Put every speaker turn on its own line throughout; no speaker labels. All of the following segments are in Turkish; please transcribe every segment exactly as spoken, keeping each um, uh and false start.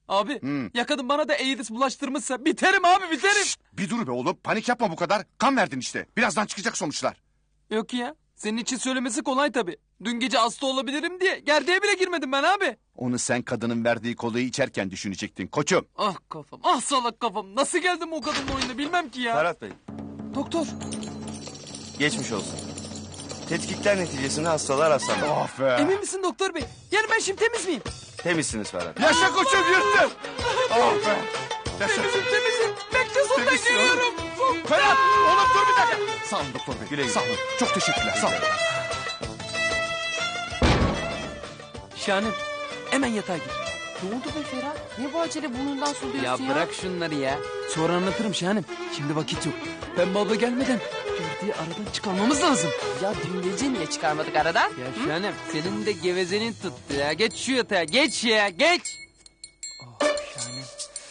Abi
Hmm.
ya kadın bana da AIDS bulaştırmışsa biterim abi biterim.
Şşt, bir dur be oğlum, panik yapma bu kadar. Kan verdin işte. Birazdan çıkacak sonuçlar.
Yok ya senin için söylemesi kolay tabii. Dün gece hasta olabilirim diye gerdeğe bile girmedim ben abi.
Onu sen kadının verdiği kolayı içerken düşünecektin koçum.
Ah kafam ah salak kafam. Nasıl geldim o kadının oyununa bilmem ki ya.
Ferhat Bey,
Doktor.
geçmiş olsun. Tetkikler neticesinde hastalar hastalandı.
Oh be.
Emin misin doktor bey? Yani ben şimdi temiz miyim?
Temizsiniz Ferhat.
Yaşa koçum, yırttın. Oh be. Yaşa.
Temizim temizim. Bekle sondan
Temizsin oğlum.
geliyorum.
Ferhat, oğlum dur bir dakika. Sağ olun doktor bey.
Güle güle.
Sağ olun. Çok teşekkürler. Sağ olun.
Şahanem hemen yatağa gir.
Ne oldu be Ferhat? Ne bu acele burnundan suluyorsun ya?
Ya bırak şunları ya. Sonra anlatırım Şahanem. Şimdi vakit yok. Pembe abla gelmeden gerdeği aradan çıkarmamız lazım.
Ya dün gece niye çıkarmadık aradan?
Ya Şahanem senin de gevezenin tuttu ya. Geç şu yatağa geç ya geç. Oh Şahanem.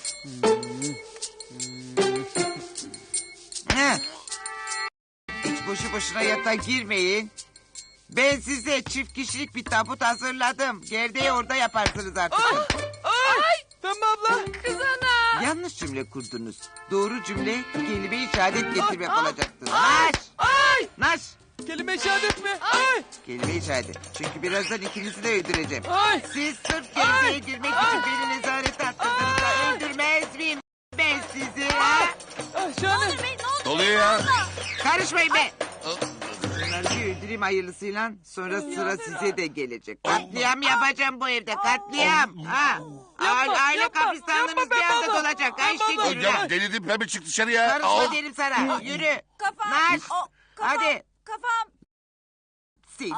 Heh. Hiç boşu boşuna yatağa girmeyin. Ben size çift kişilik bir tabut hazırladım. Gerdeği orada yaparsınız artık.
Pembe abla.
Kız ana!
Yanlış cümle kurdunuz. Doğru cümle kelime-i şehadet getirmek olacaktı. Naş!
Ay.
Naş!
Kelime şehadet mi? Ay.
Kelime-i şehadet. Çünkü birazdan ikinizi de öldüreceğim.
Ay.
Siz sırf gerdeğe girmek için beni nezarete attırdınız da öldürmez miyim ben sizi? Ha?
Ah Şahanem.
Doluyor ya.
Karışmayın be! Bunları bir öldüreyim hayırlısıyla, sonra sıra size de gelecek. Katliam yapacağım bu evde, katliam. Ha. Aile, aile
yapma,
kabristanlığınız
yapma
bir
be
anda
baba.
dolacak. Ha işte
Baba.
yürü
Ya
lan.
delirdim, pembe çık dışarıya.
Karışma
Al.
derim sana. Yürü.
Kafam.
Naş.
O, kafam.
Hadi.
Kafam.
Seni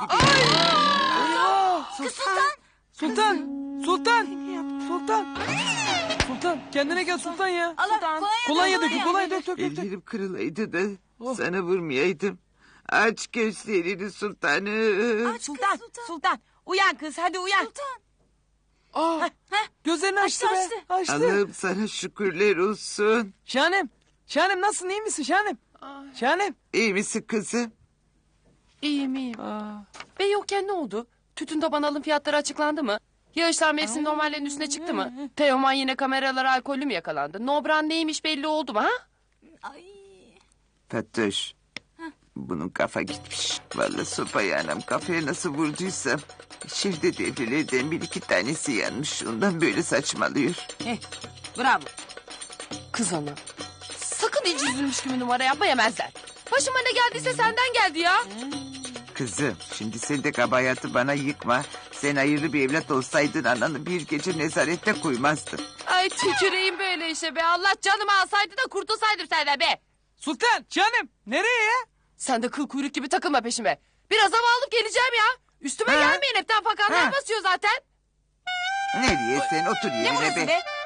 Sultan. Sultan. Sultan. Sultan. Sultan. Kendine gel Sultan ya.
Allah kolonya,
Kolonya dökün
kolonya.
kolonya dök dök dök. dök.
Ellerim kırılaydı da
Oh.
sana vurmayaydım. Aç gözlerini sultanım.
Aç
Sultan,
kız,
sultan,
sultan.
Uyan kız hadi uyan.
Sultan.
Ah. Gözlerini açtı,
Açtı,
be. Açtı.
Allah'ım sana şükürler olsun.
Şahanem. Şahanem nasılsın iyi misin Şahanem? Şahanem.
İyi misin kızım?
İyiyim iyiyim.
Aa.
Bey yokken ne oldu? Tütün taban alım fiyatları açıklandı mı? Yağışlar mevsim normallerin üstüne çıktı mı? Teoman yine kameralara alkollü mü yakalandı? Nobran neymiş belli oldu mu ha?
Ay.
Fatoş. Bunun kafa gitmiş. Vallahi sopayı anam kafaya nasıl vurduysam. İçeride devrelerden bir iki tanesi yanmış. Ondan böyle saçmalıyor.
Bravo. Kız ana. Sakın hiç üzülmüş gibi numara yapma yemezler. Başıma ne geldiyse senden geldi ya.
Kızım şimdi sen de kabahatı bana yıkma. Sen hayırlı bir evlat olsaydın ananı bir gece nezarette koymazdın.
Ay tüküreyim böyle işe be. Allah canımı alsaydı da kurtulsaydım senden be.
Sultan. Şahanem. Nereye ya?
Sen de kıl kuyruk gibi takılma peşime. Biraz hava alıp geleceğim ya. Üstüme
Ha?
gelmeyin hepten fakanlar
Ha?
basıyor zaten.
Nereye sen otur
Ne
yerine
burası
be.
be?